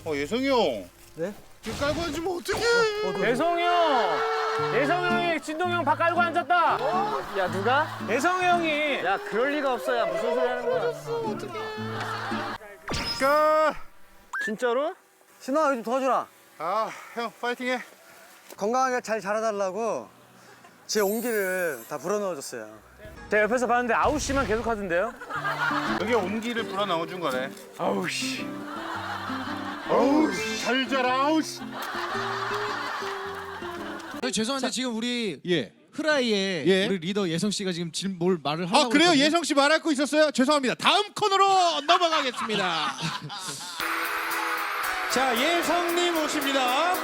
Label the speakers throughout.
Speaker 1: 예성이 형.
Speaker 2: 네?
Speaker 1: 이거 깔고 앉으면 어떡해.
Speaker 3: 예성이 형! 예성이 형이 진동이 형 밥 깔고 앉았다!
Speaker 2: 야 누가?
Speaker 3: 예성이 형이!
Speaker 2: 야 그럴 리가 없어. 야 무슨 소리 하는 거야?
Speaker 1: 깔.
Speaker 2: 진짜로? 신아 여기 좀 도와주라.
Speaker 1: 아, 형 파이팅해.
Speaker 4: 건강하게 잘 자라달라고 제 온기를 다 불어넣어줬어요.
Speaker 3: 제가 옆에서 봤는데 아우씨만 계속 하던데요?
Speaker 1: 여기 온기를 불어 넣어준 거네.
Speaker 3: 아우씨.
Speaker 1: 어우, 잘 자라. 아우 씨.
Speaker 5: 죄송한데 지금 우리
Speaker 6: 예.
Speaker 5: 흐라이의
Speaker 6: 예.
Speaker 5: 우리 리더 예성 씨가 지금 뭘 말을 하려고
Speaker 6: 아 그래요?
Speaker 5: 했거든요?
Speaker 6: 예성 씨 말할 거 있었어요? 죄송합니다. 다음 코너로 넘어가겠습니다. 자, 예성님 오십니다.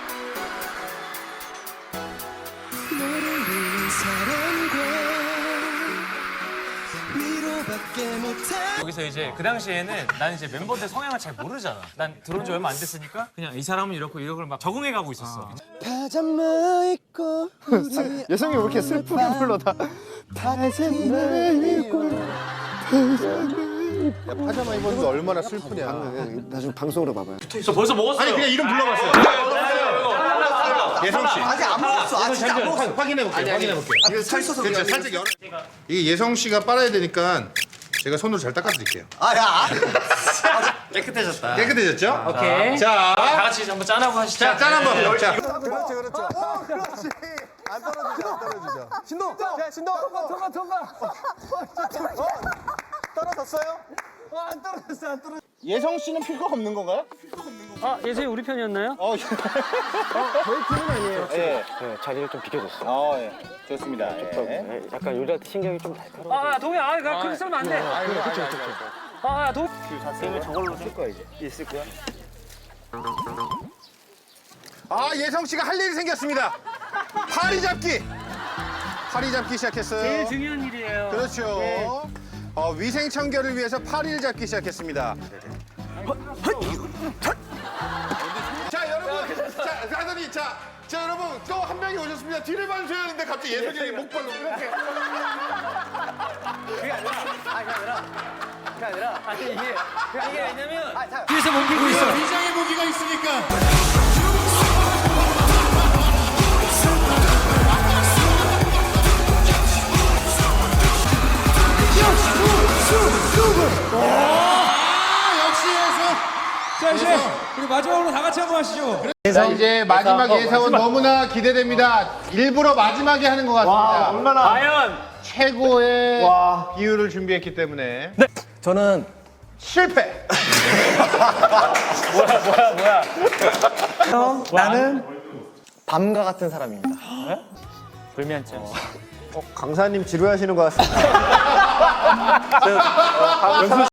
Speaker 3: 여기서 이제 그 당시에는 난 이제 멤버들 성향을 잘 모르잖아. 난 들어온 지 얼마 안 됐으니까 그냥 이 사람은 이렇고 이걸 막 적응해 가고 있었어.
Speaker 4: 파자마 입고
Speaker 2: 예성이 왜 이렇게 슬프게 불러 다?
Speaker 4: 파자마 입고
Speaker 1: 야, 파자마 입은 게 얼마나 슬프냐.
Speaker 4: 나중에 방송으로 봐봐요.
Speaker 3: 저 벌써 먹었어요.
Speaker 1: 아니, 그냥 이름 불러봤어요. 예성 씨.
Speaker 4: 아직 안 먹었어. 아직 안 먹었어.
Speaker 1: 확인해볼게요. 확인해볼게요.
Speaker 4: 이거 살 써서
Speaker 1: 그렇죠. 살짝 열어. 이게 예성 씨가 빨아야 되니까 제가 손으로 잘 닦아드릴게요.
Speaker 4: 아야.
Speaker 3: 깨끗해졌다.
Speaker 1: 깨끗해졌죠?
Speaker 3: 오케이.
Speaker 1: 자,
Speaker 3: 다 같이 한번 짠하고 하시죠.
Speaker 1: 자, 짠 한번. 자.
Speaker 4: 그렇지 그렇죠. 그렇지. 안 떨어지죠 안 떨어지죠. 신동. 야 신동. 통과. 떨어졌어요? 안 떨어졌어 안 떨어졌어.
Speaker 1: 예성 씨는 필요가 없는 건가요?
Speaker 3: 아, 예성이 우리 편이었나요?
Speaker 4: 저희 팀은 아니에요.
Speaker 1: 예.
Speaker 4: 네, 자리를 좀 비켜줬어.
Speaker 1: 예. 좋습니다. 예.
Speaker 4: 약간 요리할 때 신경이 좀 날카로워.
Speaker 3: 아, 동이 그렇게 쓰면 안 돼.
Speaker 4: 그렇죠.
Speaker 3: 아, 동.
Speaker 4: 을 저걸로 쓸 거야 이제. 있을 거야?
Speaker 1: 아, 예성 씨가 할 일이 생겼습니다. 파리 잡기. 파리 잡기 시작했어요.
Speaker 3: 제일 중요한 일이에요.
Speaker 1: 그렇죠. 위생 청결을 위해서 파리를 잡기 시작했습니다. 자, 여러분. 자, 가더니 자, 여러분 또 한 명이 오셨습니다. 뒤를 봐주셔야 하는데 갑자기 예성이 형이 목발로 이렇게.
Speaker 3: 아니, 이게 왜냐면
Speaker 5: 뒤에서 옮기고 있어.
Speaker 6: 비장의 무기가 있으니까. 역시 예성.
Speaker 5: 자 이제 우리 마지막으로 다 같이 한번 하시죠.
Speaker 1: 자, 이제 마지막 예성은 너무나 기대됩니다. 일부러 마지막에 하는 것 같습니다.
Speaker 3: 과연
Speaker 1: 최고의 비율을 준비했기 때문에.
Speaker 4: 저는
Speaker 1: 실패.
Speaker 4: 나는 밤과 같은 사람입니다.
Speaker 3: 불면증.
Speaker 4: 강사님 지루하시는 것 같습니다.